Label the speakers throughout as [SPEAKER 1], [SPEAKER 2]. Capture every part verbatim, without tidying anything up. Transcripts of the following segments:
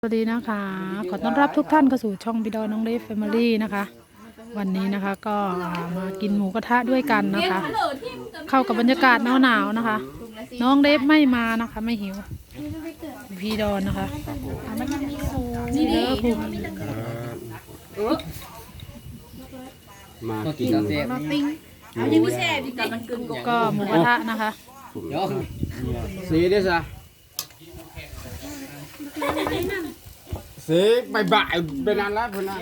[SPEAKER 1] สวัสดีนะคะขอต้อนรับทุกท่านเข้าสู่ช่องบิดอน้องเดฟแฟมิลี่นะคะวันนี้นะคะก็มากินหมูกระทะด้วยกันนะคะเข้ากับบรรยากาศหนาวๆนะคะ น้องเดฟไม่มานะคะไม่หิวพี่ดอนนะคะนี่เด้อคุณ
[SPEAKER 2] มากิน
[SPEAKER 1] ก็หมูกระทะนะคะ
[SPEAKER 2] สีได้ซะสีใบใบเป็นอันละเพื่อนนะ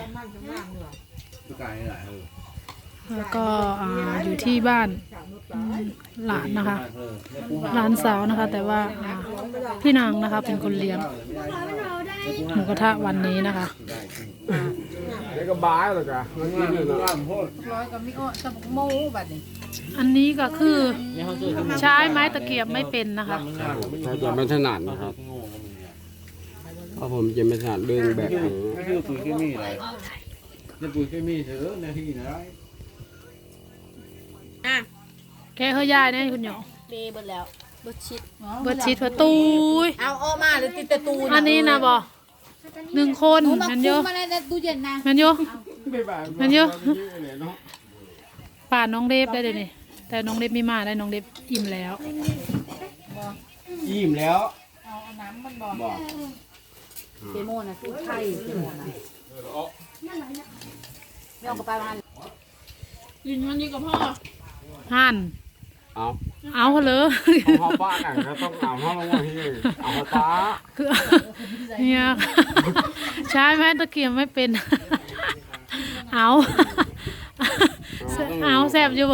[SPEAKER 1] แล้วก็อ่าอยู่ที่บ้านหลานนะคะหลานสาวนะคะ แต่ว่าอ่าพี่นางนะคะเป็นคนเลี้ยงหมูกระทะวันนี้นะคะ
[SPEAKER 2] เด็กก็บ้าเลยจ้ะมันกินเลยนะ
[SPEAKER 1] อันนี้ก็คือใช้ไม้ตะเกียบไม่เป็นนะคะ
[SPEAKER 2] เขาจะไม่ถนัดนะครับเพราะผมจะไม่ถนัดเรื่องแบบนี้
[SPEAKER 3] ไม่คือปุ๋ยเคมีอะไรจะปุ๋ยเคมีเถอะในที่ไหน
[SPEAKER 1] แค่เขายายเนี่ยคุณหยอง
[SPEAKER 4] เบเบิดแล้วเบิดชิด
[SPEAKER 1] เบิดชิดประตูย
[SPEAKER 4] เอาออกมาหรือติดแต่ตู
[SPEAKER 1] อันนี้นะบอหนึ่งคนมันเยอะ
[SPEAKER 4] มาในตู้เย็นนะ
[SPEAKER 1] มันเยอะ
[SPEAKER 2] ไม่บ้า
[SPEAKER 1] มันเยอะ
[SPEAKER 2] เลยเนาะ
[SPEAKER 1] ป่านน้องเดฟได้เลยนี่แต่น้องเดฟไม่มาได้น้องเดฟอิ่มแล้ว
[SPEAKER 2] อิ่มแล้ว
[SPEAKER 4] เอาน้ำมันบอก
[SPEAKER 2] บอก
[SPEAKER 4] เจโมนะตู้ไข่เจโมนะไม่เอากระไปมา
[SPEAKER 1] ยินวันนี้กับพ่อหั่น
[SPEAKER 2] เอา
[SPEAKER 1] เอาเลย
[SPEAKER 2] เอาป้าหนังก็ต้องเอาเข้าลงมาที่เอาป้า
[SPEAKER 1] คือเนี่ยใช้ไม้ตะเกียบไม่เป็น เอาเอาแสบอยู่บ่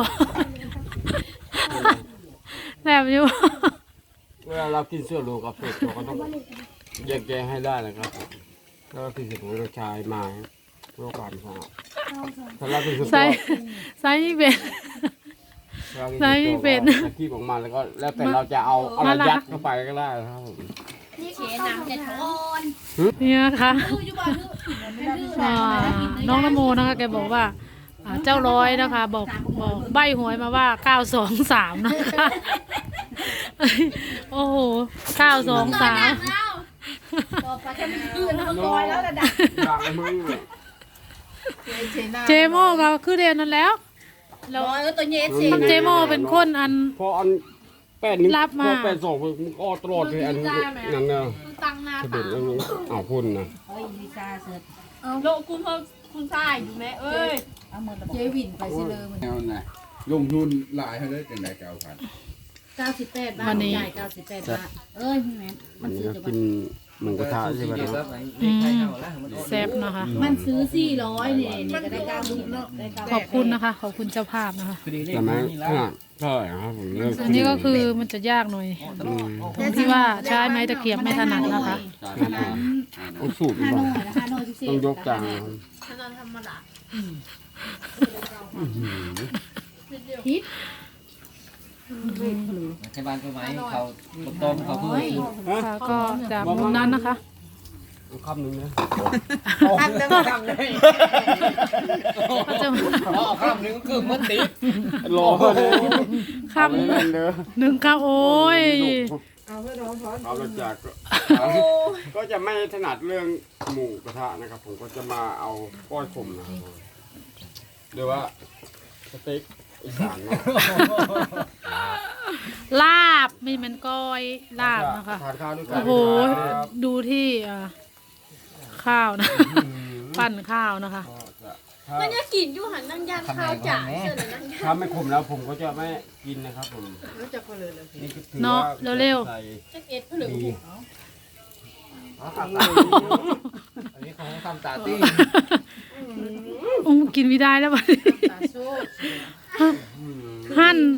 [SPEAKER 1] แสบอยู่
[SPEAKER 2] เวลาเรากินเสื้อโลกับเสื้อตัวก็ต้องแยกแยะให้ได้นะครับแล้วก็กินเสื้อของเราชายมาเพื่อความสะอาดถ้าเรากินเสื้อ
[SPEAKER 1] ใส่ใส่ไม่เป็น ใส่ไม่เป็น
[SPEAKER 2] ตะกี้ออกมาแล้วก็แล้วแต่เราจะเอาอะไรยัดเข้าไปก็ได้นะครับผม
[SPEAKER 4] เชน้ำจะทอน
[SPEAKER 1] เนี่ยค่ะอ่าน้องนโมนะคะแกบอกว่าอ่าเจ้าร้อยนะคะ บอกบอกใบหวยมาว่าเก้าสองสามนะคะโอ้โหเก้าสองสาม
[SPEAKER 4] ต่อไปจะมันคืนมันลอยแล้วระดับ
[SPEAKER 2] อยากให้มึงเลย
[SPEAKER 1] เจโมก็คือเดียวนั้นแล้ว
[SPEAKER 4] ลอยแล้วตัวเย็นสิ
[SPEAKER 1] เจโมเป็นคนอัน
[SPEAKER 2] พออันแปดนิ้ว
[SPEAKER 1] รับมา
[SPEAKER 2] พอแปดสองมึงก็ตลอดเลยอันนั้นเนาะ
[SPEAKER 4] ตั้งหน้า
[SPEAKER 2] จะเด็ดแล้วนี้เอาพุ่นนะ
[SPEAKER 4] เฮ้ยวิชาเสร็จ
[SPEAKER 5] โลคุณพ่อคุณชายอยู่ไหมเอ้ย
[SPEAKER 4] เอามือเจวินไปสิเลยมัน
[SPEAKER 3] แนวไหนลงทุนหลายให้ได้จังไดเก้าพัน
[SPEAKER 4] เก้าสิบแปดบาทจ่ายเก้าสิบแปดบาทเอ้ยแม่
[SPEAKER 2] อันนี้ก็กินหมูกระทะใช่ไหมครับ
[SPEAKER 1] อืมแซ่บนะคะ
[SPEAKER 4] มันซื้อสี่ร้อยเนี่ยเนี่ยก็ได้เก้าสิบได้เก้า
[SPEAKER 1] ขอบคุณนะคะ ขอบคุณเจ้าภาพนะคะ
[SPEAKER 2] แต่ไม่ขนาดเท่าไหร่ครับผมเลิก
[SPEAKER 1] อันนี้ก็คือมันจะยากหน่อย
[SPEAKER 2] อืม
[SPEAKER 1] ตรงที่ว่าใช้ไม้ตะเกียบไม่ถนัดนะคะ
[SPEAKER 2] ต้องสูตร
[SPEAKER 4] ห้า
[SPEAKER 2] ก่อ
[SPEAKER 4] โน่
[SPEAKER 2] น
[SPEAKER 4] นะห้าโน่พิเศษ
[SPEAKER 2] ต้องยกจานนะครับ
[SPEAKER 4] พิษ
[SPEAKER 3] ใช้บ้านก็ไหมเขาต้มเขาเพิ่ม
[SPEAKER 1] ค่ะก็จากมุมนั้นนะคะ
[SPEAKER 2] เอาคำหนึ่งนะ
[SPEAKER 3] คำนึงคำนึง
[SPEAKER 1] ก็จะ
[SPEAKER 3] อ๋อคำนึงคือมันติด
[SPEAKER 2] รอเลย
[SPEAKER 1] คำหนึ่งคำโอ้ย
[SPEAKER 2] เอาละจากก็ก็จะไม่ถนัดเรื่องหมูกระทะนะครับ ผมก็จะมาเอาก้อยขมนะครับหรือว่าสเต็กอีสานเนาะ
[SPEAKER 1] ลาบไม่เหมือนก้อยลาบนะคะ
[SPEAKER 2] ทานข้าวด้วยกัน
[SPEAKER 1] โอ้โห
[SPEAKER 2] ครับ
[SPEAKER 1] ดูที่อ่าข้าวนะ ปั่นข้าวนะคะ
[SPEAKER 2] ก็จะถ้า
[SPEAKER 5] มันจะกินอยู่หันนั่งย่างข้าวจ่าเชื่อเลยนั่งย่าง
[SPEAKER 2] ถ้าไม่ขมแล้วผมก็จะไม่กินนะครับผมนี่ก็ถือ
[SPEAKER 1] เนาะ
[SPEAKER 2] ว่า
[SPEAKER 1] เร็ว
[SPEAKER 2] ใส่
[SPEAKER 5] จะเอ็ดผลึก
[SPEAKER 2] ดี
[SPEAKER 3] อันนี้ของทำตาตี้
[SPEAKER 1] อุ้มกินไม่ได้แล้วบัดนี้หั่น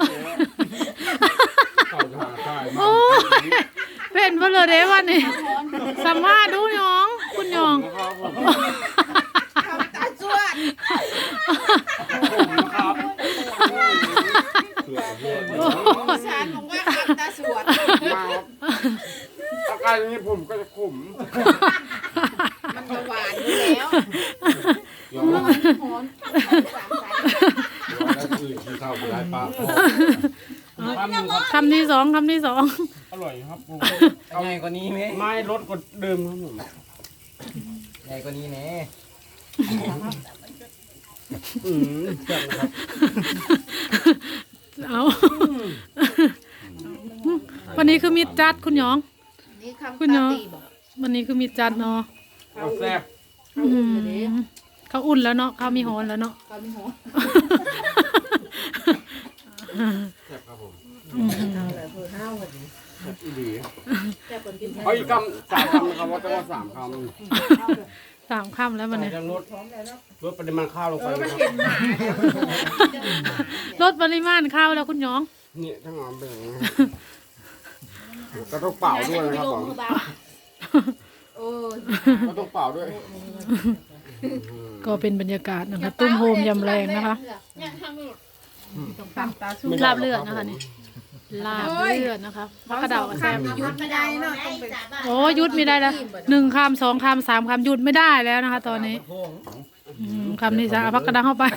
[SPEAKER 2] ใส่ทานได้
[SPEAKER 1] โอ้ยเป็นเพลอเด้วันนี้สัมภาษณ์ดูหยอง คุณหยอง
[SPEAKER 2] นะครับผม
[SPEAKER 4] ตาจวด
[SPEAKER 2] ผมนะครับ
[SPEAKER 4] สารผมว่าตาสวด
[SPEAKER 2] มาครับอาการอย่างนี้ผมก็จะขม
[SPEAKER 4] มันจะหวานอยู่แล้ว
[SPEAKER 2] เดี๋ยวเรา
[SPEAKER 4] หอนสามสาย
[SPEAKER 2] แล้วคือกินข้าวไม่ได้ปลาพอ
[SPEAKER 1] คำที่สองคำที่สอง
[SPEAKER 2] อร่อยครับผม
[SPEAKER 3] เอาไงกว่านี้ไหม
[SPEAKER 2] ไม่ลดกว่าเดิมครับผม
[SPEAKER 3] เ
[SPEAKER 6] ใหญ่กว่านี้แน่
[SPEAKER 2] อืมแซ่บนะครับ
[SPEAKER 1] เอาวันนี้คือมีจัดคุณหยอง
[SPEAKER 4] นี่คำ
[SPEAKER 1] คุณเนาะ
[SPEAKER 4] ตาตีบอก
[SPEAKER 1] วันนี้คือมีจัดเนาะ
[SPEAKER 2] เอาแซ่บ
[SPEAKER 1] อืมเขาอุ่นแล้วเนาะเขามีโหนแล้วเนาะ
[SPEAKER 4] เขาไม่หัว
[SPEAKER 2] แซ่บครับผม
[SPEAKER 4] เอาเลยเพื่อห้าววันนี้
[SPEAKER 2] แซ่บอีหลี
[SPEAKER 4] แต่คนกิน
[SPEAKER 2] เอาอีกคำสามคำนะครับว่าจะว่าสามคำ
[SPEAKER 1] สามค่ำแล้ววันนี้
[SPEAKER 2] จะลดลดปริมาณข้าวลงไปนะครับ
[SPEAKER 1] ลดปริมาณข้าวแล้วคุณหยอง
[SPEAKER 2] นี่ทั้งหมดเป็นอย่างนี้ก็ต้องเป่าด้วยนะครับผม
[SPEAKER 4] โอ้ย
[SPEAKER 2] ก็ต้องเป่าด้วย
[SPEAKER 1] ก็เป็นบรรยากาศนะคะตุ้มโฮมยำแรงนะคะ
[SPEAKER 5] เนี่ยทำอยู่
[SPEAKER 4] ต้องตามตาสู้
[SPEAKER 1] ลาบเลือดนะคะนี่ลาบเลือดนะคะมะกระเดากับแซม
[SPEAKER 4] ยุดไม่ได้เนาะต้องเป็น
[SPEAKER 1] โอ้หยุดไม่ได้แล้วหนึ่งคำสองคำสามคำหยุดไม่ได้แล้วนะคะ ตอนนี้อืมคำนี้จะเอาพักกระดังเข้าไป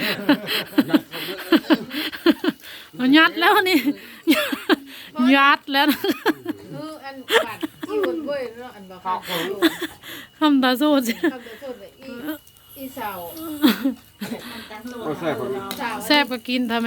[SPEAKER 1] เอายัดแล้วนี่ยัดแล้วนะ
[SPEAKER 4] เอออันบัดที่วนเว้ยเนาะอันบอกเขา
[SPEAKER 1] คำตาสู้สิ
[SPEAKER 4] เขาจะโทษแบบอีอีเสา
[SPEAKER 2] ก็แซ่บครับ
[SPEAKER 4] เสา
[SPEAKER 1] แซ่บก็กินทำไม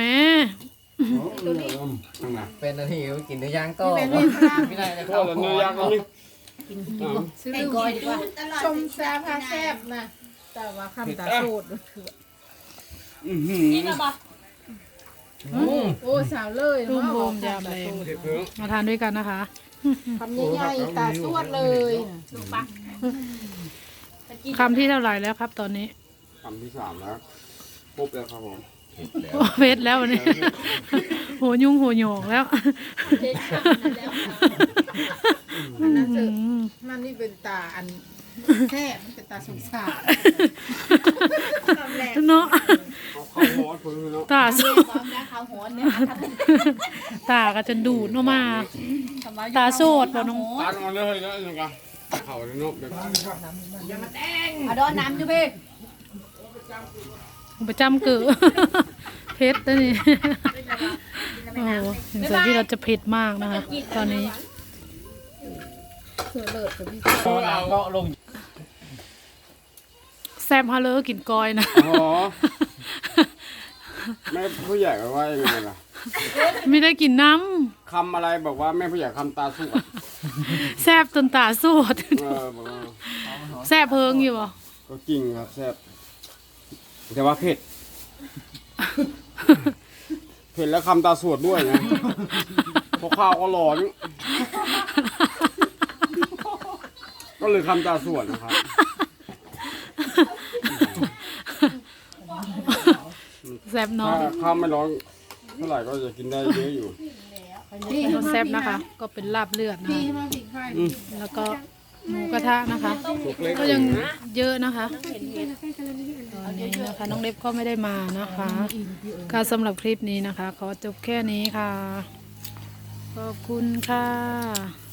[SPEAKER 6] เป็นนาทีกินเนื้อย่างก็ไม่ได้เลย
[SPEAKER 2] ก็แล้วเนื้อย่างก็นี่
[SPEAKER 4] ซื้อลูกดีกว่าชมแซ่บค่ะแซ่บนะแต่ว่าคำตาสูด
[SPEAKER 2] อื้อหื
[SPEAKER 5] นี่
[SPEAKER 2] อ
[SPEAKER 5] นะบอก
[SPEAKER 4] โอ้สาวเลย
[SPEAKER 1] ตุ้ม
[SPEAKER 4] เนาะ
[SPEAKER 1] โฮมยำแรง
[SPEAKER 2] เด็ดเพิ่ง
[SPEAKER 1] มาทานด้วยกันนะคะ
[SPEAKER 4] คำใหญ่ๆตาสวดเลย
[SPEAKER 5] ลูกปะจะกิน
[SPEAKER 1] คำที่เท่าไหร่แล้วครับ ตอนนี้
[SPEAKER 2] คำที่สามแล้วครบแล้วครับผม
[SPEAKER 1] โอ้เวทแล้ววันนี้ โหยุ่งโหหยองแล้ว
[SPEAKER 5] เทคคำนั้นแล้ว
[SPEAKER 4] มันน่าจะ
[SPEAKER 1] อืม
[SPEAKER 4] มันนี่เป็นตาอันแซ่บมันเป็นตาสงสาร
[SPEAKER 1] เนาะ
[SPEAKER 2] เอาข้าวหอมเพิ่งเนาะ
[SPEAKER 1] ตาสู้
[SPEAKER 5] ความรักเขาหอนเนี่ย
[SPEAKER 1] ตาก็จะดูดออกมา ตาโสดบ่น้อง
[SPEAKER 2] ตาลงมาเลยแล้วยังไงเข่าเลยเนาะเดี๋ยว
[SPEAKER 5] อ่ะโดนน้ำจุ๊บ
[SPEAKER 1] ประจำเกิด เผ็ดนะนี่ โอ้ถึงสายที่เราจะเผ็ดมากนะคะ ตอนนี้
[SPEAKER 4] เสือเลิศกับพี่
[SPEAKER 6] เราก็ลง
[SPEAKER 1] แซมฮาเลอร์กินกอยนะ
[SPEAKER 2] อ๋อแม่ผู้ใหญ่ก็ว่ายังไงล่ะ
[SPEAKER 1] ไม่ได้กินน้
[SPEAKER 2] คำอะไรบอกว่าแม่ผู้ใหญ่คำตาสู้
[SPEAKER 1] ำแซบจนตาสวด
[SPEAKER 2] เออบอกว่า
[SPEAKER 1] แซบเพิงอยู่บ่
[SPEAKER 2] ก็จริงครับแซ่บแต่ว่าเผ็ด เผ็ดแล้วคำตาสวดด้วยนะเพราะข้าวก็ร้อน ก็เลยคำตาสวดนะครับ
[SPEAKER 1] แซบเน้อ
[SPEAKER 2] ถ้าง ข้าวไม่ร้อนเท่าไหร่ก็จะกินได้เยอะอยู่
[SPEAKER 1] แซบนะคะ ก็เป็นลาบเลือดนะ
[SPEAKER 4] พี่
[SPEAKER 1] คะ
[SPEAKER 4] มาผิดใคร
[SPEAKER 1] แล้วก็หมูกระทะนะคะ
[SPEAKER 2] สุกเล็ก
[SPEAKER 1] ก็ยังเยอะนะคะตอนนี้นะคะน้องเล็บก็ไม่ได้มานะคะค่ะสำหรับคลิปนี้นะคะ ขอจบแค่นี้ค่ะ ขอบคุณค่ะ